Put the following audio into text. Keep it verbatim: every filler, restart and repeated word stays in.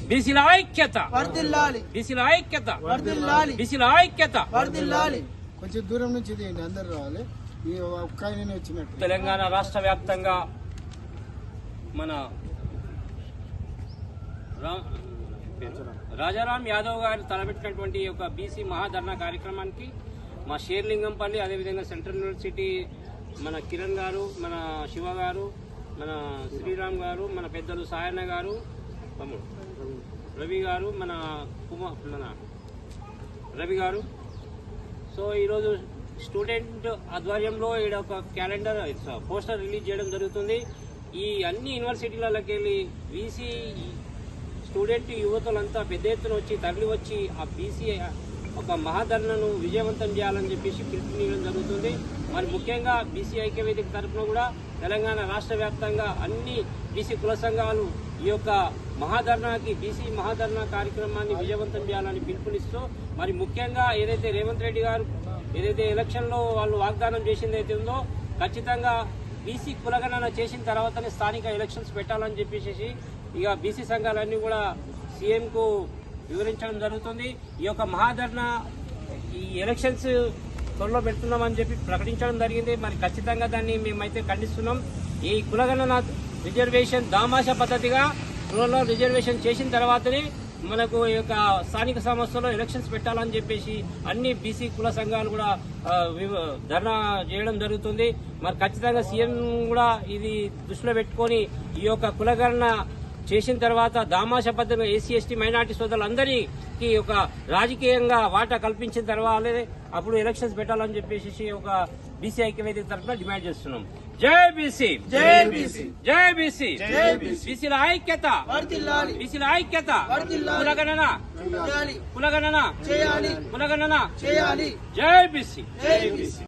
బీసీల ఐక్యత వర్ధిల్లాలి, బీసీల ఐక్యత వర్ధిల్లాలి, బీసీల ఐక్యత వర్ధిల్లాలి. కొంచెం దూరం నుంచి తీయండి, అందరు రావాలి. ఈ ఒక్క ఆయన వచ్చినట్టు తెలంగాణ రాష్ట్ర వ్యాప్తంగా మన రా- రాజారాం యాదవ్ గారు తలపెట్టినటువంటి ఒక బీసీ మహాధర్నా కార్యక్రమానికి మా షేర్లింగంపల్లి, అదేవిధంగా సెంట్రల్ యూనివర్సిటీ మన కిరణ్ గారు, మన శివ గారు, మన శ్రీరామ్ గారు, మన పెద్దలు సాయన్న గారు, తమ్ముడు రవి గారు, మన కుమార్ మన రవి గారు. సో ఈరోజు స్టూడెంట్ ఆధ్వర్యంలో ఈడ ఒక క్యాలెండర్ పోస్టర్ రిలీజ్ చేయడం జరుగుతుంది. ఈ అన్ని యూనివర్సిటీలకి వెళ్ళి బీసీ స్టూడెంట్ యువతులంతా పెద్ద ఎత్తున వచ్చి తరలి వచ్చి ఆ బీసీ ఒక మహాధర్నను విజయవంతం చేయాలని చెప్పేసి పిలుపునియడం జరుగుతుంది. మరి ముఖ్యంగా బీసీ ఐక్యవేదిక తరఫున కూడా తెలంగాణ రాష్ట్ర వ్యాప్తంగా అన్ని బీసీ కుల సంఘాలు ఈ యొక్క మహాధర్నాకి బీసీ మహాధర్నా కార్యక్రమాన్ని విజయవంతం చేయాలని పిలుపునిస్తూ, మరి ముఖ్యంగా ఏదైతే రేవంత్ రెడ్డి గారు ఏదైతే ఎలక్షన్లో వాళ్ళు వాగ్దానం చేసింది అయితే ఉందో ఖచ్చితంగా బీసీ కులగణన చేసిన తర్వాతనే స్థానిక ఎలక్షన్స్ పెట్టాలని చెప్పేసి ఇక బీసీ సంఘాలన్నీ కూడా సీఎంకు వివరించడం జరుగుతుంది. ఈ యొక్క మహాధర్నా ఈ ఎలక్షన్స్ త్వరలో పెడుతున్నామని చెప్పి ప్రకటించడం జరిగింది. మరి ఖచ్చితంగా దాన్ని మేమైతే ఖండిస్తున్నాం. ఈ కులగణన రిజర్వేషన్ దామాషా పద్ధతిగా కులలో రిజర్వేషన్ చేసిన తర్వాతనే మనకు ఈ యొక్క స్థానిక సంస్థలో ఎలక్షన్స్ పెట్టాలని చెప్పేసి అన్ని బీసీ కుల సంఘాలు కూడా ధర్నా చేయడం జరుగుతుంది. మరి ఖచ్చితంగా సీఎం కూడా ఇది దృష్టిలో పెట్టుకొని ఈ యొక్క కులగణన చేసిన తర్వాత దామాషా పద్ధతిగా ఎస్సీ ఎస్టీ మైనార్టీ సోదరులందరికీ ఒక రాజకీయంగా వాటా కల్పించిన తర్వాత అప్పుడు ఎలక్షన్స్ పెట్టాలని చెప్పేసి ఒక బీసీ ఐక్యవేదిక తరఫున డిమాండ్ చేస్తున్నాం. జై బీసీ, జై బీసీ, జై బీసీ, జై బీసీ. బీసీల ఐక్యత వర్ధిల్లాలి, బీసీల ఐక్యత వర్ధిల్లాలి. కులగణన చేయాలి, కులగణన చేయాలి, కులగణన చేయాలి. జై బీసీ. జై బీసీ.